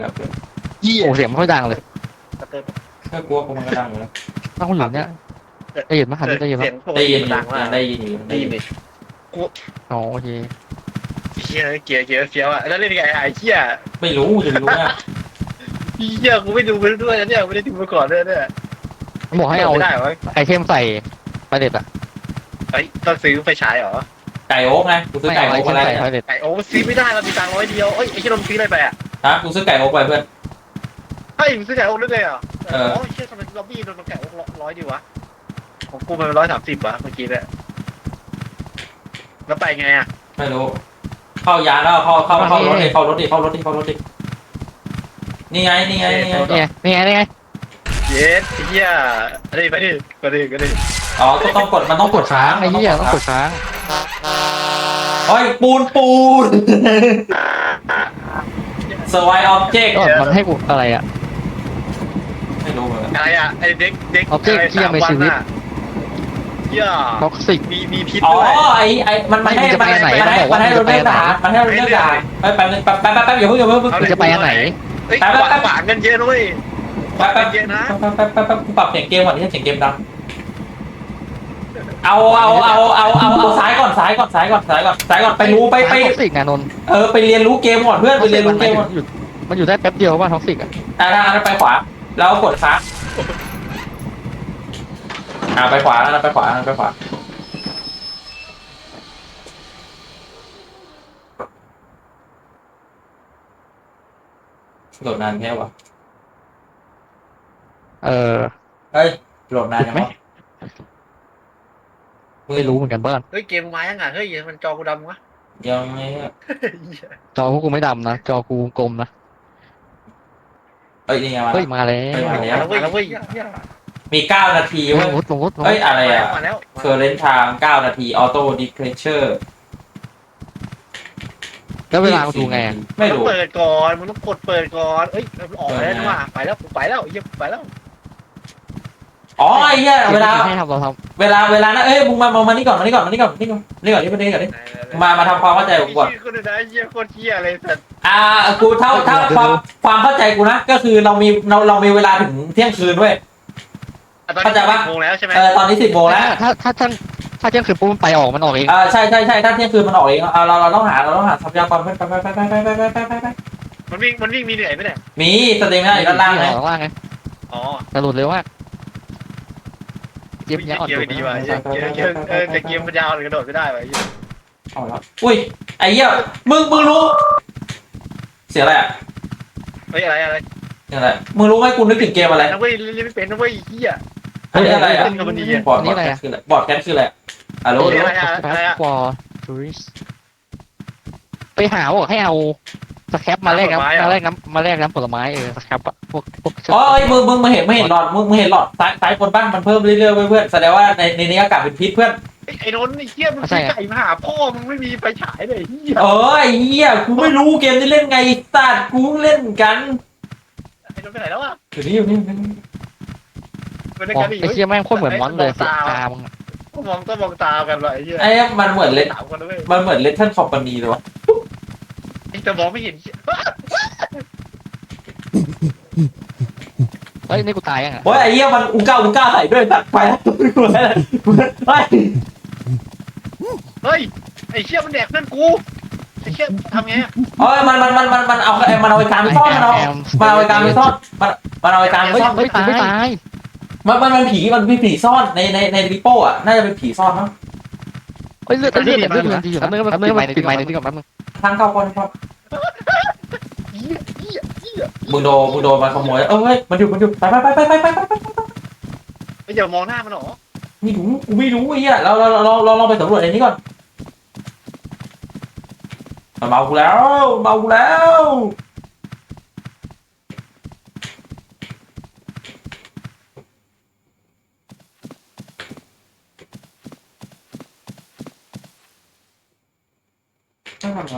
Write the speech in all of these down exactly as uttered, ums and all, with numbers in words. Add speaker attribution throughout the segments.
Speaker 1: เยี่ย
Speaker 2: โอ้เสียงไม่ค่อยดังเลย
Speaker 1: กระเติม
Speaker 3: ถ้ากลัวกูมันก็ดังอยู่แล้ว
Speaker 2: ถ้าคนหลุมเนี่ยได้ยินไหมหันได้ยินไหม
Speaker 1: เสียงปก
Speaker 3: ได้
Speaker 1: ติ
Speaker 3: ยิน
Speaker 1: มัน
Speaker 3: อยู่
Speaker 1: ดังมาก
Speaker 3: ยังได้ยินอยู่
Speaker 1: ได้ยินดิ
Speaker 2: อ๋อโอเค
Speaker 1: เฮียเกียร์เกียร์เฟี้ยวอ่ะแล้วเล่นไงไอ้เฮีย
Speaker 3: ไม่รู้จะรู้นะ
Speaker 1: เฮียกูไม่ดูมันด้วยนะเนี่ยไม่ได้ดูมาก่อนด้วยเนี่ย
Speaker 2: ผมบอกให้เอา
Speaker 1: ไม่ได้วะ
Speaker 2: ไอเทมใส่ไปเด็ดอะ
Speaker 1: เฮ้ยต้องซื้อไฟฉายเหรอ
Speaker 3: ไก่โอ๊กไงกูซื้อ
Speaker 2: ไม่
Speaker 3: ไก่
Speaker 2: เอาไอ
Speaker 3: โอ๊ก
Speaker 2: เท
Speaker 3: มาม แล้ว
Speaker 2: ใส่
Speaker 3: เนี่ย
Speaker 2: ไปเด็ด
Speaker 1: ไอ้โอ้ซื้อไม่ได้เรามีตังค์ร้อยเดียวเอ้ยไอ้ที่เราซื้ออะไรไปอ่ะ
Speaker 3: ฮะกูซื้อไก่โอ๊กไปเพื่อน
Speaker 1: เฮ้ยมึงซื้อไก่โอ๊กได้เลยเหรอ
Speaker 3: เออ
Speaker 1: โอ้ยเชี่ยทำไมล็อบบี้โดนไก่โอ๊กร้อยดีวะของกูมันร้อยสามสิบวะเมื่อกี้เนี่ยแล้วไปไงอ่ะ
Speaker 3: ไม่รู้เข้ายานแล้วเข้าเข้าเข้ารถดิเข้ารถดิเข้ารถดิเข้ารถดินี่ไงนี่ไงนี่ไง
Speaker 2: นี่ไงนี่ไงนี่ไง
Speaker 1: เย็ดเฮียไปดิไปดิไปดิไปดิ
Speaker 3: อ๋อก็ต้องกดมันต้องกดค้าง
Speaker 2: ไอ้เหี้ยต้องกดค้าง
Speaker 3: โอ้ยปูนปูนสวายออบเจกต์
Speaker 2: ก็มันให้กูอะไรอะ
Speaker 3: ไม่รู้เหมือนกัน
Speaker 1: อะไรอ่ะไอ้เด็กเด็ก
Speaker 2: Object
Speaker 1: ะไร
Speaker 2: ที่ยังมีชีวิต
Speaker 1: สาอะเฮีย
Speaker 2: ท็อกซิก
Speaker 1: มีมีพิษ
Speaker 3: อ๋อ
Speaker 1: ด้วย
Speaker 3: ไอไอมันมันให้
Speaker 2: ไม่
Speaker 3: มันให้
Speaker 2: จะไป
Speaker 3: มัน
Speaker 2: ไหน
Speaker 3: ให้
Speaker 2: มันบอก
Speaker 3: มันให้
Speaker 2: ว่า
Speaker 3: เราเลือก
Speaker 2: จะไปไหน
Speaker 3: ด่านมันให้เราเลือกด่านไปแป๊บนึงแป๊บแป๊บแป๊บอย่าเพิ่งอย่าเพิ่ง
Speaker 2: มึงจะไปอันไหน
Speaker 1: เฮ้ย
Speaker 3: แป๊บแป๊บแป๊บ
Speaker 1: ขวางกันเยอะด้วย
Speaker 3: แป๊บแป๊บ
Speaker 1: เยอะนะ
Speaker 3: แป๊บแป๊บแป๊บแป๊บปรับเสียงเกมก่อนที่เสียงเกมดังเอาเอาเอาเอาเอาเอาซ้ายก่อนซ้ายก่อนซ้ายก่อนซ้ายก่อนซ้ายก่อนไปรู้ไปไป
Speaker 2: ท็อกซิกนะนนท์
Speaker 3: เออไปเรียนรู้เกมก่อนเพื่อนไปเรียนรู้เกมก่อน
Speaker 2: อยู่มันอยู่ได้แป๊บเดียวว่าท็อกซิกอะ
Speaker 3: อ่าถ้างั้นไปขวาแล้วกดค้างอ่าไปขวาแล้วไปขวาไปขวาโหลดนานแค่วะ
Speaker 2: เออ
Speaker 3: เฮ้ยโหลดนานยังวะ
Speaker 2: ไม่รู้เหมือนกันเบิ้ล
Speaker 1: เฮ้ยเกมมายังไงเฮ้ยมันจอกูดำวะ
Speaker 3: ยังไม่
Speaker 2: จอพวกกูไม่ดำนะจอกูกลมนะ
Speaker 3: เอ้ยนี่ไงมา
Speaker 2: เฮ้ยมาแล้ว
Speaker 3: เฮ้ยมา
Speaker 1: มาแล้วเว้ยเว้ย
Speaker 3: มีเก้านาที
Speaker 2: ล
Speaker 3: เว้ย
Speaker 2: งรถลงรถลงร
Speaker 3: เฮ้ย
Speaker 2: ถ
Speaker 3: อะไรอ่ะ
Speaker 1: มาแล้ว
Speaker 3: เคอร์เรนทางเก้านาทีออโต้ดิเคเชอร์
Speaker 2: แล้วเวลากูดูไงอะ
Speaker 3: ไม่
Speaker 1: ต้อง
Speaker 3: รู้
Speaker 1: เปิดก่อนมึงต้องกดเปิดก่อนเอ้ยออกไปแล้วนี่ว่าไปแล้วไปแล้วเยี่ยไปแล้ว
Speaker 3: อ๋อไอ้เหี้ยเวลา
Speaker 2: ให้ทำเราท
Speaker 3: เวลาเวลานะเอ้ยมึงมามามานี่ก่อนมานี่ก่อนมานี่ก่อนนี่ก่อนนี่ก่อนนี่ก่อนนี่ก่อนนี่มามาทำความเข้าใจกูก่อน
Speaker 1: คนไหนเยี่ยโคตรเยี่ยเลยสัตว์
Speaker 3: อ่ากูเท่าเท่าความความเข้าใจกูนะก็คือเรามีเราเรามีเวลาถึงเที่ยงคืนด้วย เข้าใจปะ
Speaker 1: โมงแล้วใช่ไหม
Speaker 3: เออตอนนี้สิบโมง
Speaker 2: ำ
Speaker 3: แล้ว
Speaker 2: ถ้าถ้าถ้าถ้าเที่ยงคืนปุ๊บมันไปออกมันออกเอง
Speaker 3: เออใช่ใช่ใช่ถ้าเที่ยงคืนมันออกเองเอาเราเราต้องหาเราต้องหาทรัพยากรไปไปไปไปไปไปไปไปไปไป
Speaker 1: มันวิ่งมันวิ่งมีเหนื่อยไหมเนี่ย
Speaker 3: มีสเตมินาอยู่ด้านล่างไง
Speaker 2: ข้างล่างไง
Speaker 1: อ๋อก
Speaker 2: ระโดดเร็วมากเจี๊ยบ
Speaker 1: วิ่ง
Speaker 2: เนี้ยอ่อน
Speaker 1: เกีย
Speaker 2: ดุ
Speaker 1: ร์ดีว่ะเกียร์เกียร์เกียร์เออแต่เกียร์มันยาวเลยกระโดดไม่ได้ว่ะ
Speaker 3: เอาละอุ้ยไอ้เหี้ยมึงมึงรู้ เสียอะไรอ่ะ
Speaker 1: เฮ้ยอะไรอะไร
Speaker 3: เสียอะไรมึงรู้ไหมกูนึกถึงเกมอะไร
Speaker 1: นะเว้ยเล่นไม่เป็นนะเว้ยเฮีย
Speaker 3: เฮ้ยอะไรอ่ะ
Speaker 1: เล่นกับมันดี
Speaker 3: บอร์ดบอร์ดแคสคืออะไรบอร์ดแคสคืออะไรอ่ะรู้
Speaker 1: เฮ้ย
Speaker 3: รู้
Speaker 1: อะไรอะอะไรอะ
Speaker 2: ฟอร์ทูริสไปหาบอกให้เอาสแครปมาแลกน้ำมาแลกน้ำมาแลกน้ำผลไม้เออสแครปอะพวกพวก
Speaker 3: อ๋อไอ้มึงมึงมึงเห็นมึงเห็นหลอดมึงมึงเห็นหลอดซ้ายซ้ายบนบ้างมันเพิ่มเรื่อยๆเว้ยเพื่อนแสดงว่าในในนี้อากาศเป็นพิษเพื่อน
Speaker 1: ไอ้นนท์ไอ้เฮียมึงซื้อไก่มาหาพ่อมึงไม่มีไฟฉายเลยเฮีย
Speaker 3: เออไอ้เหี้ยกูไม่รู้เกมที่เล่นไงสัตว์กูเล่นกัน
Speaker 1: ไอ้นนท์ไปไหนแล้วอ่ะ
Speaker 3: อยู่นี่อยู่นี่อยู่นี่
Speaker 1: ไปด้วย
Speaker 2: อ๋อ
Speaker 1: กันดิ
Speaker 2: ไอ้เชี่ยแม่งโคตรเหมือนมอนเลยตามึงอะ
Speaker 1: มองต้องมองตากันว่ะไอ้เฮีย
Speaker 3: ไอ้มันเหมือนเล่น
Speaker 1: สามคนเลย
Speaker 3: มันเหมือนเลทเทิลคอมพานีเลยวะ
Speaker 1: แต่มองไม่เห็น
Speaker 2: เฮ้ยนี่กูตายยังอะ
Speaker 3: โอ้ยไอ้เหี้ยมันอุ้งก้าอุ้งก้าใส่ด้วยสัตว์ไปแล้วเฮ้ย
Speaker 1: เฮ้ยไอ้เชี่ยมันแดกเพื่อนกูไอ้เชี่ยทำไง
Speaker 3: เอ้ยมันมันมันมันมันเอามันเอาไอ้การไปซ่อนมันเอามันเอาไอ้การไปซ่อนมันมันเอาไอ้การไป
Speaker 2: เฮ้ย
Speaker 3: ซ่อน
Speaker 2: เฮ้ยกูไม่ตาย
Speaker 3: มันมันมันผีมันมีผีซ่อนในในในริโป้อะน่าจะเป็นผีซ่อนมั้ง
Speaker 2: เฮ้ยเลือดเลือดเลือดมันดีอยู่นะเลือดมันติดไม้ติดไม้ติดกับแป๊บนึง
Speaker 3: ทางเข้าคนครับ
Speaker 1: เฮียเฮียเฮีย
Speaker 3: มึงโดนมึงโดนมันขโมยเอ้ยมันอยู่มันอยู่ไปไปไปไปไปไปไปไป
Speaker 1: ไอ้เดี๋ยวมองหน้ามันหรอ
Speaker 3: ไม่รู้กูไม่รู้ไอ้เหี้ยเราเราเราเราลองไปสำรวจในนี้ก่อนมันเมากูแล้วเมากูแล้วต้องทำไง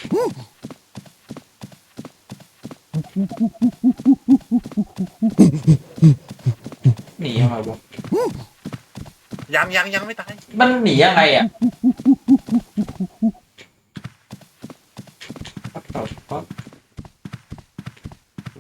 Speaker 3: หนียังไงวะ
Speaker 1: ยังยังยังไม่ตาย
Speaker 3: มันหนียังไงอ่ะ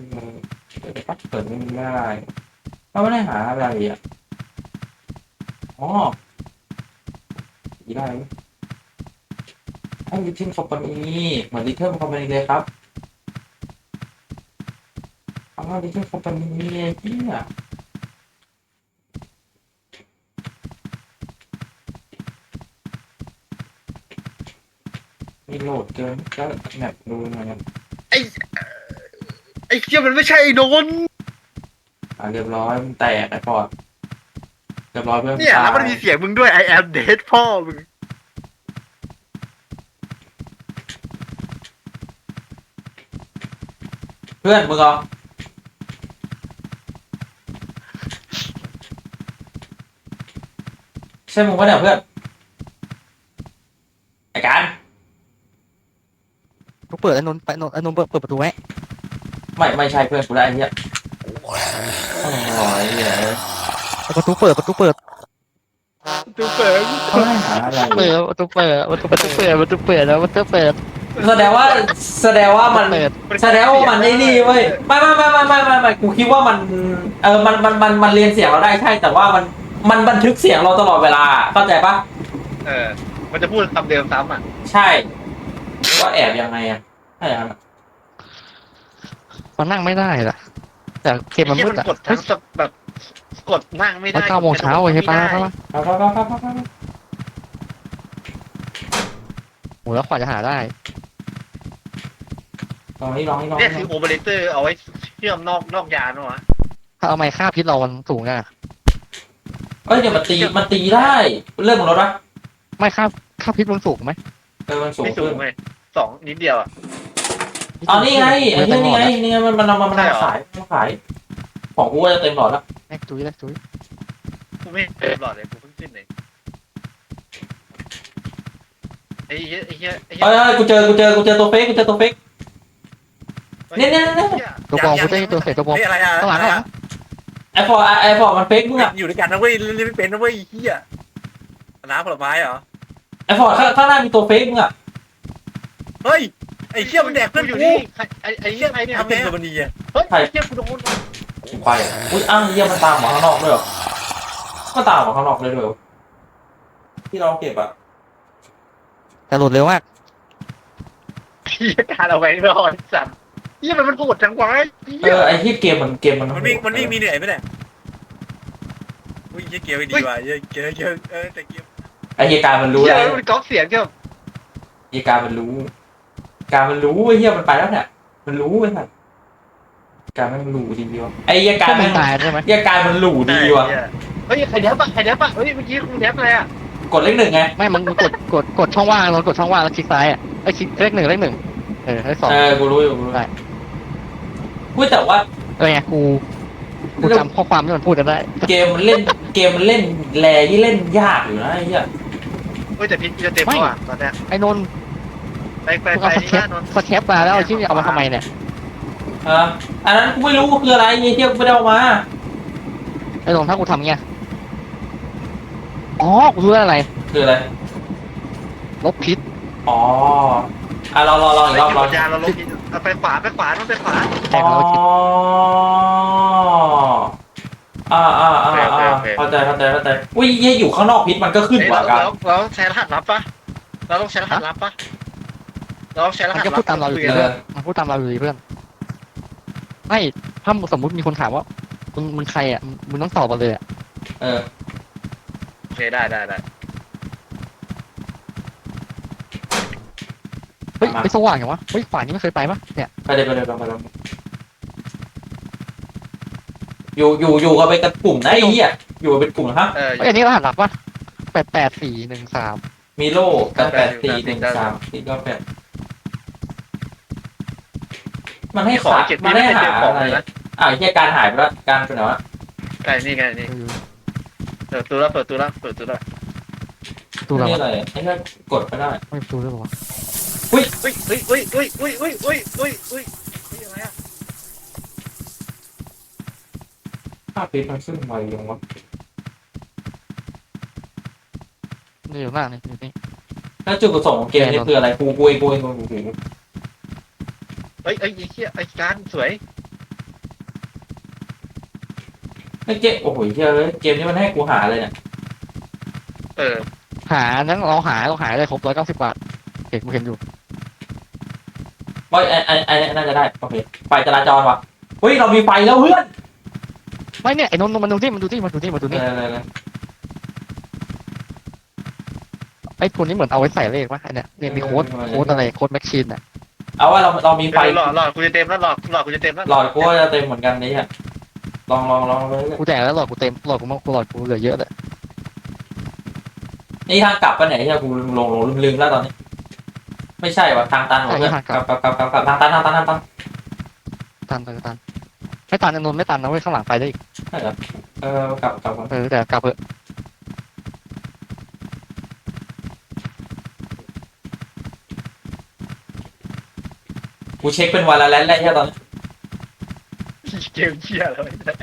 Speaker 3: เปิดปั๊บเปิดไม่ได้เราไม่ได้หาอะไรอ่ะอ๋อได้ไอ้ลิทเทิลคอมพานีเหมือนลิทเทิลคอมพานีเลยครับอ๋อลิทเทิลคอมพานีเนี่ยมีโหลดเกินก็แมปดูหน่อยครับ
Speaker 1: ไอ้ไอ้เหี้ยมันไม่ใช่ไอ้โดน
Speaker 3: อ่าเรียบร้อยมันแตกไอ้พอดเรียบร้อยเพื่อน
Speaker 1: เนี่ยแล้วมันมีเสียงมึงด้วย I am dead พ่อมึง
Speaker 3: เพื่อนมึงเหรอใช่มึงปะเนี่ยเพื่อนไอ้การ
Speaker 2: กูเปิดไอ้นนท์ไปนนท์ไอ้นนท์เปิดเปิดประตูไว้
Speaker 3: ไม่ไม่ใช่เพื่อนกูได้ไอ้เหี้ยโอ้ยเหี้ย
Speaker 2: ประตูเปิดประตูเปิด
Speaker 1: ดูเปิด
Speaker 3: เขาให้หาอะไร
Speaker 2: เปิดประตูเปิดประตูประตูเปิดประตูเปิดแล้วประตูเปิด
Speaker 3: แสดงว่าแสดงว่ามัน
Speaker 2: เปิด
Speaker 3: แสดงว่ามันไอ้นี่เว้ยไม่ไม่ไม่ไม่ไม่ไม่ไม่กูคิดว่ามันเออมันมันมันมันเรียนเสียงเราได้ใช่แต่ว่ามันมันบันทึกเสียงเราตลอดเวลาเข้าใจปะ
Speaker 1: เออมันจะพูดคำเดิมซ้ำอ่ะ
Speaker 3: ใช่ว่าแอบยังไงอะใช่ครับ
Speaker 2: มันนั่งไม่ได้ล่ะแต่เกมมันมืด
Speaker 1: ไอ้
Speaker 2: อ่ะ
Speaker 1: เหี้ยกดทั้งแบบกดนั่งไม่
Speaker 2: มั
Speaker 1: ได้
Speaker 2: นเก้าโมงเช้าใช่ปะ
Speaker 1: ไม่ได้
Speaker 2: ใช่ปะ
Speaker 3: ครับครับครับครับครับ
Speaker 2: โหแล้วขวาจะหาได้
Speaker 3: ลองนี่ลองนี่ลอง
Speaker 1: เนี่ยคือโอเปอเรเตอร์เอาไว้เชื่อมนอกนอกยานวะ
Speaker 2: ถ้าเอาไม้ค่าพิษเรามันสูงอ่ะ
Speaker 3: เอ้ยเดี๋ยวมันตีมันตีได้เรื่องของรถปะ
Speaker 2: ไม่ค่าค่าพิษมันสูงไหม
Speaker 3: เออมันสูง
Speaker 1: ไม่สู
Speaker 3: ขึ้
Speaker 1: ง
Speaker 3: น
Speaker 1: เลยสองนิดเดียวอ่ะ
Speaker 3: อ๋อนี่ไงไอ้เหี้ยนี่ไงนี่ไงมันมันมันมัน
Speaker 1: ใช่เหรอ
Speaker 3: ขายมันขายของกูจะเต็มหลอดแล้ว
Speaker 2: แม็กจุ้ยแม็กจุ้ย
Speaker 1: กูไม่เต็มหลอดเลยกูเพิ่งขึ้นเลยไอ้เหี้ยไอ้เหี้ยไอ้เหี้
Speaker 3: เอ้ยเอ้ยกูเจอกูเจอกูเจอตัวเฟกกูเจอตัวเฟก เนี่ยเนี่ยเนี่ย
Speaker 2: ตัวบอลกูจะให้ตัวเสร็จตัวบอล
Speaker 1: เฮ้ยอะไรอ่ะ
Speaker 2: ข้างหลังข้างหลัง
Speaker 3: ไอฟอร์ไอฟอร์มันเฟกมึงอะ
Speaker 1: อยู่ด้วยกันนะเว้ยเล่นไม่เป็นนะเว้ยเหี้ยน้ำผลไม้เหรอ
Speaker 3: ไอฟอร์ข้างข้างหน้ามีตัวเฟกมึงอะ
Speaker 1: เฮ้ยไอ้เหี้ยมันแดกเพื่อนอยู่นี่ไอ้ไอ้เหี้ยไอ้เนี่ยทำเป็นตัวมันดีอ่ะเฮ้ยไอ้เหี้ยกูโดน
Speaker 3: ไปอุ้ยอ้าวเยี่ยมันตามหมาข้างนอกด้วยเหรอก็ตามหมาข้างนอกเลยด้วยเหรอที่เราเก็บอะ
Speaker 2: แต่หลุดเร็วมาก
Speaker 1: เหี้ยการเอาไว้ไม่รอดสัตว์เหี้ยมันมันโหดจังวะ
Speaker 3: เออไอที่เกมมันเกมมัน
Speaker 1: มันวิ่งมันวิ่งมีเหนื่อยไหมเนี่ยอุ้ยเหี้ยเกียร์ไม่ดีว่ะเหี้ยเกียร์เกียร์เออแต่เกียร์
Speaker 3: ไอเหตุการณ์มันรู้
Speaker 1: เหี้ย
Speaker 3: แล้ว
Speaker 1: มันก๊อปเสียงก็
Speaker 3: เหตุการณ์มันรู้ การมันรู้ไอ้เหี้ยมันไปแล้วเนี่ยมันรู้ไอ้สัสการมันหลู่ดีวะไอ้เหี้ยการ
Speaker 2: ก็
Speaker 3: มั
Speaker 2: ไม่
Speaker 3: น
Speaker 2: ตายใช่ไหม
Speaker 3: เหี้ยการมันหลู่ดีวะ
Speaker 1: เฮ้ยใครแดบปะใครแดบปะเฮ้ยเมื่อกี้คุณแดบอะไรอ่ะ
Speaker 3: กดเลขหนึ่งไง
Speaker 2: ไม่มันกดกดกดช่องว่างเรากดช่องว่างแล้วคลิกซ้ายอ่ะไอ้คลิกเลขหนึ่งเลขหนึ่งเออเลขสอง
Speaker 3: เออกูรู้อยู่กูรู้
Speaker 2: ได้
Speaker 3: พูดแต่ว่า
Speaker 2: เออไงกูกูจำข้อความที่มันพูดกันได้
Speaker 3: เกมมันเล่นเกมมันเล่นแรที่เล่นยากอยู่นะไอ้เหี้ย
Speaker 1: เฮ้ยแต่พิษจะเต็มแล้วอ่ะตอนเนี้ย
Speaker 2: ไอ้นนท์
Speaker 1: ไปไป
Speaker 2: มึง
Speaker 1: ไป
Speaker 2: เอาส
Speaker 1: นี่
Speaker 2: แคป
Speaker 1: นะนนท์
Speaker 2: สแคปมาแล้วเอาที่เอามาทำไมเนี่ย
Speaker 3: เอออันนั้นกูไม่รู้ว่าคืออะไรไอ้เหี้ยกูไม่ได้เอามา
Speaker 2: ไอ้นนท์ถ้ากูทำเงี้ยอ๋อกูรู้แล้วอะไร
Speaker 3: คืออะไร
Speaker 2: ลบพิษ
Speaker 3: อ๋ออ่ะลองลองลองอีกรอบลอง
Speaker 1: ยาเราลบพิษเอาไปขวาไปขวาต้องไปขวา
Speaker 2: แตกแล้วคิด
Speaker 3: อ่าอ่าอ่าอ่าเข้าใจเข้าใจเข้าใจอุ้ยเหี้ยอยู่ข้างนอกพิษมันก็ขึ้น
Speaker 1: เฮ้ย
Speaker 3: กว่า
Speaker 1: เรา
Speaker 3: กัน
Speaker 1: เราเราใช้รหัสลับปะเราต้องใช้รหัสลับปะเราต้องใช้ร
Speaker 2: มัน
Speaker 1: หัส
Speaker 2: ก็
Speaker 1: ลั
Speaker 2: พู
Speaker 1: บ
Speaker 2: ดตามเราอยู่ดีเพื่อนมันพูดตามเราอยู่ดีเพื่อนไม่ถ้าสมมติมีคนถามว่ามึงมึงใครอ่ะมึงต้องตอบมาเลยอ่ะ
Speaker 3: เออ
Speaker 1: โอเคได้ได้ได้
Speaker 2: เฮ้ยไปสว่างอย่างวะเฮ้ยฝ่ายนี้ไม่เคยไปปะเนี่ย
Speaker 3: ไปเลยไปเลยไปเลยอยู่อยู่อยู่กันไปกันกลุ่มนะไอ้เหี้ยอยู่กันเป็นกลุ่มนะครับ
Speaker 1: เออ
Speaker 2: เฮ้ยอันนี้รหัสลับปะแปดแปดสี่หนึ่งสาม
Speaker 3: มีโล่กันแปดสี่หนึ่งสามสี่ก็แปดมันให้
Speaker 1: ของ
Speaker 3: ขา
Speaker 1: เก็บ
Speaker 3: มัน
Speaker 1: ไม่
Speaker 3: ให้
Speaker 1: ได้
Speaker 3: หา
Speaker 1: เจอของ
Speaker 3: อะไร
Speaker 1: เลยนะ
Speaker 3: อ่าเหี้ยการหายไปแล้วการเป็นไงวะ
Speaker 1: ไก่นี่ไงนี่เปิดตัวแล้วเปิดตัวแล้วเปิดตัวแล้ว
Speaker 2: ดูแล้ว
Speaker 3: นี่
Speaker 2: วะ
Speaker 3: อะไรไอ้เหี้ยกดไปได้
Speaker 2: ไม่ดูด้วยวะ
Speaker 1: อุ้ยอุ้ยอุ้ยอุ้ยอุ้ยอุ้ยอุ้ยอุ้ยอุ้ยอุ้ยอะไรอ่ะ
Speaker 3: ภาพพิษมันขึ้นไวยังวะ
Speaker 2: นี่อยู่หน้านี่อยู่นี่
Speaker 3: แล้วจุดประสงค์ของเกมนี้คืออะไรกูกูเองกูเองกูเองกูเอง
Speaker 1: เฮ้ยเฮ้ยไอ้เหี้ยไอ้การสวย
Speaker 3: ไอ้เกมโอ้โหเฮ้ยเกมนี้มันให้กูหาเลยเนี่ย
Speaker 1: เออ
Speaker 2: หานั้นเราหาเราหาได้ครบร้อยเก้าสิบบาทเห็นกูเห็นอยู่
Speaker 3: ว่าไอ้ไอ้ไอ้น่าจะได้โอเคไฟจราจรว่ะเฮ้ยเรามีไฟแล้วเพื่อน
Speaker 2: ไม่เนี่ยไอ้นนท์มันดูที่มันดูที่มันดูที่มันดู
Speaker 3: เอ
Speaker 2: นี่
Speaker 3: อเออเออ
Speaker 2: ไอ้ตัวนี้เหมือนเอาไว้ใส่เลขวะไอ้เนี่ยเนี่ยมีโค้ดโค้ดอะไรโค้ดแม็กชีนอ่ะ
Speaker 3: เอาว่าเราเรามีไฟ
Speaker 1: หลอดหลอดกูจะเต็มแล้วหลอดหลอดกูจะเต็มแล้ว
Speaker 3: หลอดกูก็จะเต็มเหมือนกันนี่ฮะลองลองลองเลย
Speaker 2: กูแจกแล้วหลอดกูเต็มหลอดกูมากกูหลอดกูเหลือเยอะเลย
Speaker 3: นี่ทางกลับไปไหนที่กูลงลงลืมลืมแล้วตอนนี้ ไม่ใช่ว่ะทางตันว่ะเพื่อนกลับกลับกลับกลับกลับทางตันทางตันทางตัน
Speaker 2: ตันตันตันไม่ตันไอ้นนท์ไม่ตันนะเว้ยข้างหลังไปได้อีก
Speaker 3: ใช่เหรอเออกลับกลับกลับ
Speaker 2: เออแต่กลับเถอะ
Speaker 3: กูเช็คเป็นวันละแล้วแหละแค่ตอนนี้
Speaker 1: เกมเชี่ยแล้ว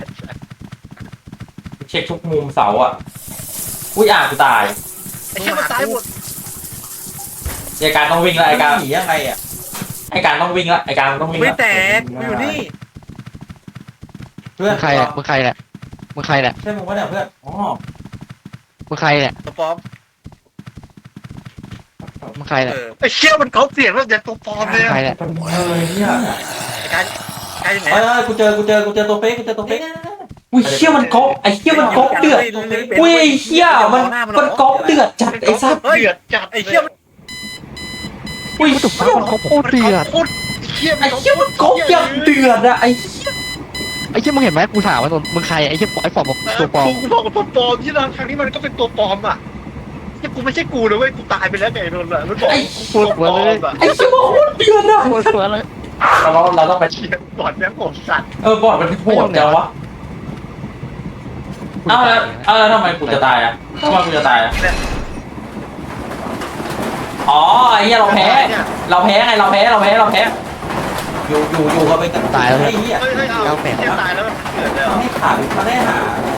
Speaker 3: กูเช็คทุกมุมเสาอ่ะอุ้ยอ่านกูตาย
Speaker 1: ไอ้เชี่ยมันตายหมด
Speaker 3: ไอการต้องวิ่งแล้วไอการ
Speaker 4: หนียังไงอ่ะ
Speaker 3: ไอการต้องวิ่งแล้วไอการต้องวิ่ง
Speaker 1: ไม่
Speaker 3: แล้ว
Speaker 1: แตกกูอยู่นี่
Speaker 4: เพื่อ
Speaker 2: มึ
Speaker 4: น
Speaker 2: งใครเนี่ยมึงใครเนี่ยมึงใครเนี่ย
Speaker 4: ใช่มึงวะเนี่ยเพื่อนอ๋อ
Speaker 2: มึงใครเนี่ย
Speaker 1: ตัวปลอม
Speaker 2: มึงใครเนี่ย
Speaker 1: เออไอ้เชี่ยมันเขาเสียงแล้วแต่ตัวปลอมเลย
Speaker 2: มึงใครเนี่ย
Speaker 3: เออเนี่ย
Speaker 1: ไอ้การไอ้ยังไง
Speaker 4: เอ้ยเอ้ยกูเจอกูเจอกูเจอตัวเป๊กกูเจอตัวเป๊ก
Speaker 3: อุ้ยเชี่ยมันก๊อปไอเชี่ยมันก๊อปเดือดอุ้ยไอเชี่ยมันมันก๊อปเดือดจัดไอสัตว์
Speaker 1: เดือดจัดไอ้เชี่ยมัน
Speaker 3: อุ้ย
Speaker 2: กูถูก
Speaker 3: เชี่ย
Speaker 2: มันเขาโคตรเดือด
Speaker 1: โคตรเชี่ย
Speaker 3: ไอเชี่ยมันก๊อปอย่างเดือดอะไอ
Speaker 2: ไอ้เชี่ยมึงเห็นไหมกูถามว่านนท์มึงใครไอ้เชี่ยไอ้ฟอร์ดบอกตัวปลอม
Speaker 1: กูบอกกับตัวปลอมที่เราครั้งนี้มันก็เป็นตัวปลอมอ่ะเชี่ยกูไม่ใช่กูนะเว้ยกูตายไปแล้วไงนนท์อ่ะมันบอกตัวปลอมอ่ะ
Speaker 3: ไอเชี่ยมันโคตรเดือดอะ
Speaker 2: โคตรสวยเลย
Speaker 3: เราเราต้องไป
Speaker 1: เชี่ยบอดแม่งโหดสัตว์
Speaker 3: เออบอดมันโหดจังวะเอ้าแล้วเอ้าแล้วทำไมกูจะตายอะทำไมกูจะตายอะอ๋อไอ้เหี้ยเราแพ้ เราแพ้ไงเราแพ้เราแพ้เราแพ้
Speaker 4: อยู่อยู่อยู่ก็เป็นกัน
Speaker 2: ตายแล้ว
Speaker 4: ไอ้เหี้ย
Speaker 1: เฮ้ยเฮ้ยเอาเชี่ยตายแล้วมันเกิดเลยเหรอ
Speaker 4: มันให้ขาดมันให้หา